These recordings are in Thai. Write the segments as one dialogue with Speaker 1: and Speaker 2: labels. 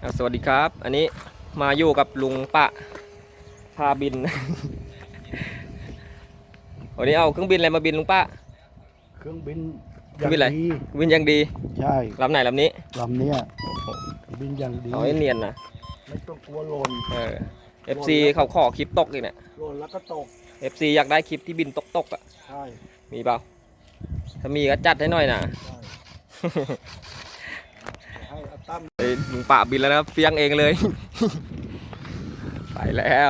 Speaker 1: สวัสดีครับอันนี้มาอยู่กับลุงปะพาบิน วันนี้เอาเครื่องบินอะไรมาบินลุงปะ
Speaker 2: เครื่องบิน
Speaker 1: เครื่องบินอะไร
Speaker 2: ดี
Speaker 1: บินอย่างดี
Speaker 2: ใช่
Speaker 1: ลำไหนลำนี้
Speaker 2: ลำเนี้ยบินอย่างดี
Speaker 1: เอาให้เนียนนะ
Speaker 2: ไม่ต้องกลัวหล่น
Speaker 1: FC เขาขอคลิปตกอีกเนี่ย
Speaker 2: หล่นแล้วก็ตก
Speaker 1: FC อยากได้คลิปที่บินตกอ่ะ
Speaker 2: ใช่
Speaker 1: มีเปล่าถ้ามีก็จัดให้หน่อยนะ
Speaker 2: ให้อาตั้ม
Speaker 1: ลุงปะบินแล้วนะครับเฟียงเองเลย ไปแล้ว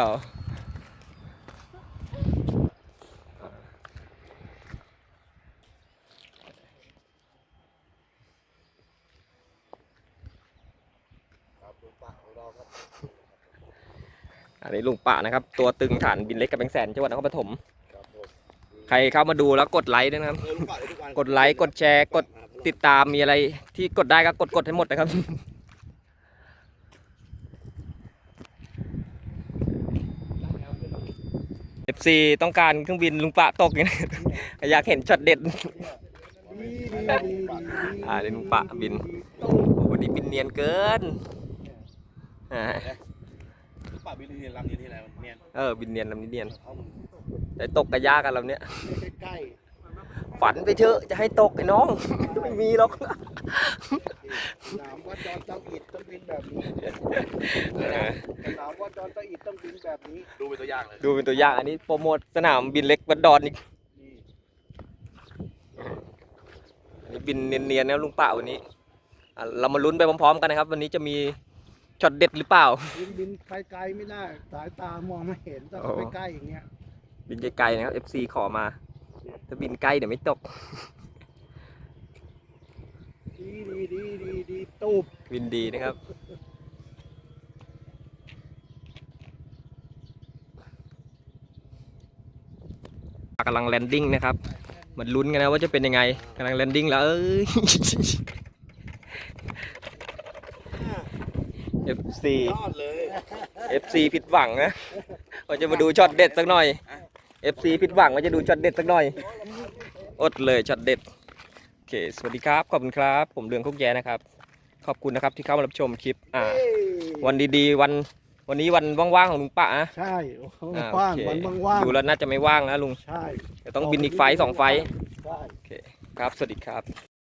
Speaker 1: อันนี้ลุงปะนะครับตัวตึงฐานบินเล็กกับแบงแสนจังหวัดนครปฐมใครเข้ามาดูแล้วกดไลค์ด้วยนะครับกดไลค์กดแชร์กดติดตามมีอะไรที่กดได้ก็กดให้หมดนะครับ FC ต้องการเครื่องบินลุงปะตกอย่างนี้ อยากเห็นช็อตเด็ด
Speaker 2: ดี
Speaker 1: เดี๋ยวลุงปะบินโอ้วันนี้บินเนียนเกิน
Speaker 3: ป่าบินที่ลำนี้ที่ไหนเนี่ย
Speaker 1: บินเนียนลำนี้เนียนแต่ตกกระยากันลำเนี้ย
Speaker 2: ใกล้
Speaker 1: ฝันไปเถอะจะให้ตกไอ้น้อง ไม่มีหรอก
Speaker 2: ๆถามว่าจอนเจ้าอิดต้องบินแบบนี้ถามว่าจอนเจ้าอิดต้องบินแบบนี้
Speaker 3: ดูเป็นตัวอย่างเลย
Speaker 1: ดูเป็นตัวอย่างอันนี้โปรโมทสนามบินเล็กวัดดอนอีก
Speaker 2: นี่
Speaker 1: อันนี้บินเนียนๆนะลุงปะวันนี้เรามาลุ้นไปพร้อมๆกันนะครับ วันนี้จะมีช็อตเด็ดหรือเปล่า
Speaker 2: บินไกลๆไม่ได้สายตามองไม่เห็นต้องไปใกล้อย่างเงี้ย
Speaker 1: บินไกลๆนะครับ FC ขอมาถ้าบินใกล้เดี๋ยวไม่ตก
Speaker 2: ดีตูบ
Speaker 1: บินดีนะครับกำลังแลนดิ้งนะครับมันลุ้นกันนะว่าจะเป็นยังไงกำลังแลนดิ้งแล้วFC
Speaker 3: ยอดเลย
Speaker 1: FC ผิดหวังนะว่าจะมาดูช็อตเด็ดสักหน่อย FC ผิดหวังว่าจะดูช็อตเด็ดสักหน่อยอดเลยช็อตเด็ดโอเคสวัสดีครับขอบคุณครับผมเรืองคุกแย่นะครับขอบคุณนะครับที่เข้ามารับชมคลิปวันดีๆวันนี้วันว่างๆของลุงปะนะ
Speaker 2: ใช่ว่างวันว่าง
Speaker 1: ดูแล้วน่าจะไม่ว่างนะลุง
Speaker 2: ใช่
Speaker 1: เดี๋ยวต้องบินอีกไฟล์2 ไฟล์
Speaker 2: ใช่
Speaker 1: โอเคครับสวัสดีครับ